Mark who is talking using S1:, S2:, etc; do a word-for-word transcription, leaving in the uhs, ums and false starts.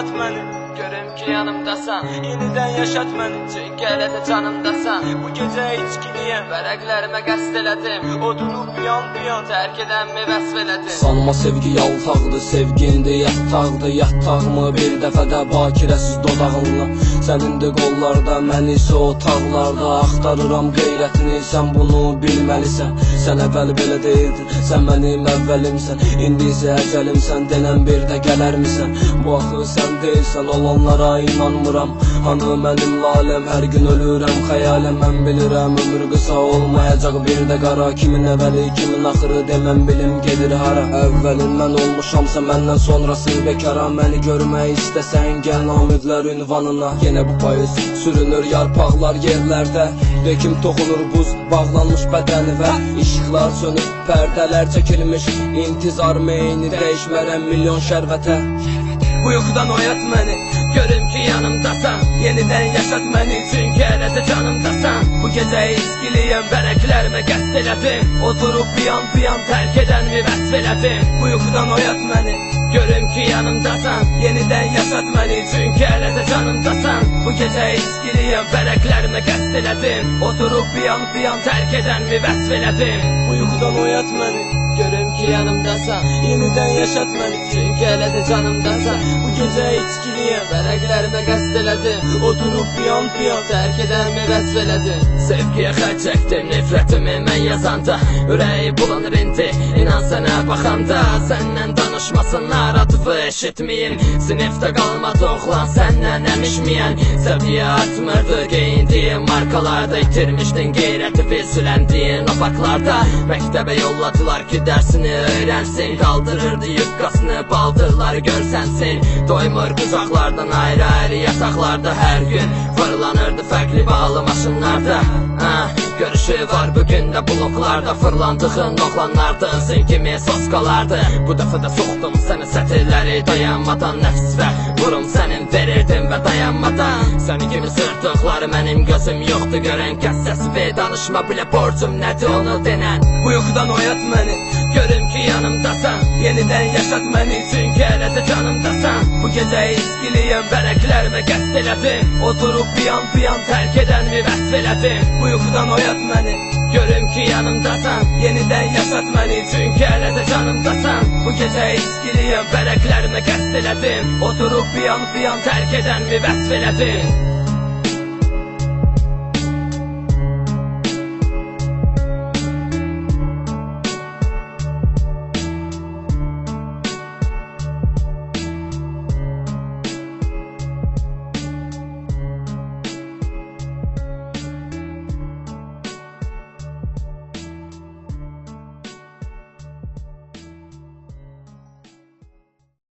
S1: oyat məni, görüm ki yanımdasan. Yenidən yaşat məni, çünki hələ də canımdasan. Bu gecə içkiliyəm, vərəqlərimə qəsd elədim. Odunu biyan biyan tərk edənmi vəsf elədim.
S2: Sanma sevgi yaltaqdır, sevgindi yataqdır. Yataqmı bir dəfədə bakirəsiz dodağınla. Sənindir qollarda, mən isə otaqlarda. Axtarıram qeyrətini, sən bunu bilməlisən. Sən əvvəl belə deyildin, sən mənim əvvəlimsən. İndi isə əcəlimsən, denən bir də gələrmisən. Bu axı sən deyilsən, olanlara inanmıram. Hanı mənim laləm, hər gün ölürəm xəyaləm. Mən bilirəm, ömür qısa olmayacaq bir də qara. Kimin əvvəli, kimin axırı deməm bilim gedir hara. Əvvəlindən olmuşamsa məndən sonrası bekara. Məni görmək istəsən gəl namidlər ünvanına. Yenə bu payız sürünür yarpaqlar yerlərdə. Bekim toxunur buz bağlanmış bədənivə. İşıqlar sönüb, pərdələr çəkilmiş. İntizar meyni dəyişmərəm milyon şərvətə.
S1: Bu yuxudan oyat məni, görüm ki yanımdasan. Yenidən yaşat məni, çünki hələ də canımdasan. Bu gecə içkiliyəm, vərəqlərimə qəsd elədim. Oturub piyan piyan tərk edənmi vəsf elədim. Bu yuxudan oyat məni, görüm ki yanımdasan. Yenidən yaşat məni, çünki hələ də canımdasan. Bu gecə içkiliyəm, vərəqlərimə qəsd elədim. Oturub piyan piyan tərk edənmi vəsf elədim. Bu yuxudan oyat məni, görüm ki yanımdasan. Yenidən yaşat məni, çünki hələ də canımdasan. Bu gecə içkiliyəm, vərəqlərimə qəsd elədim. Oturub piyan piyan tərk edənmi vəsf elədim. Sevgiyə xərc çəkdim, nifrətimi mən yazanda. Ürəyi bulanır indi, inan sənə baxanda. Səndən danışmasınlar, atıfı eşitməyim. Sinifdə qalmadı oxlan səndən əmişməyən. Səviyyə artmırdı, geyindiyin markalarda. İtirmişdin qeyrəti bilsüləndiyin opaklarda. Məktəbə yolladılar ki dərsini öyrənsin. Qaldırırdı yuqqasını, baldırları görsənsin. Doymur qucaqlardan ayrı-ayrı yasaqlarda. Hər gün fırlanırdı fərqli bağlı maşınlarda. ah, Görüşü var bugün də bloklarda. Fırlandığın oğlanlardın kimi soskalardı. Bu dəfə də soxdum səni sətirləri dayanmadan. Nəfs və vurum sənin verirdim və dayanmadan. Səni kimi sırtıqları mənim gözüm yoxdur görən. Kəs səsi danışma bilə borcum nədir onu denən. Bu yuxudan oyat məni, görüm ki yanımdasan. Yenidən yaşat məni, çünki hələ də canımdasan. Bu gecə içkiliyəm, vərəqlərimə qəsd elədim. Oturub piyan piyan tərk edənmi vəsf elədim. Bu yuxudan oyat məni, görüm ki yanımdasan. Yenidən yaşat məni, çünki hələ də canımdasan. Bu gecə içkiliyəm, vərəqlərimə qəsd elədim. Oturub piyan piyan tərk edənmi vəsf elədim.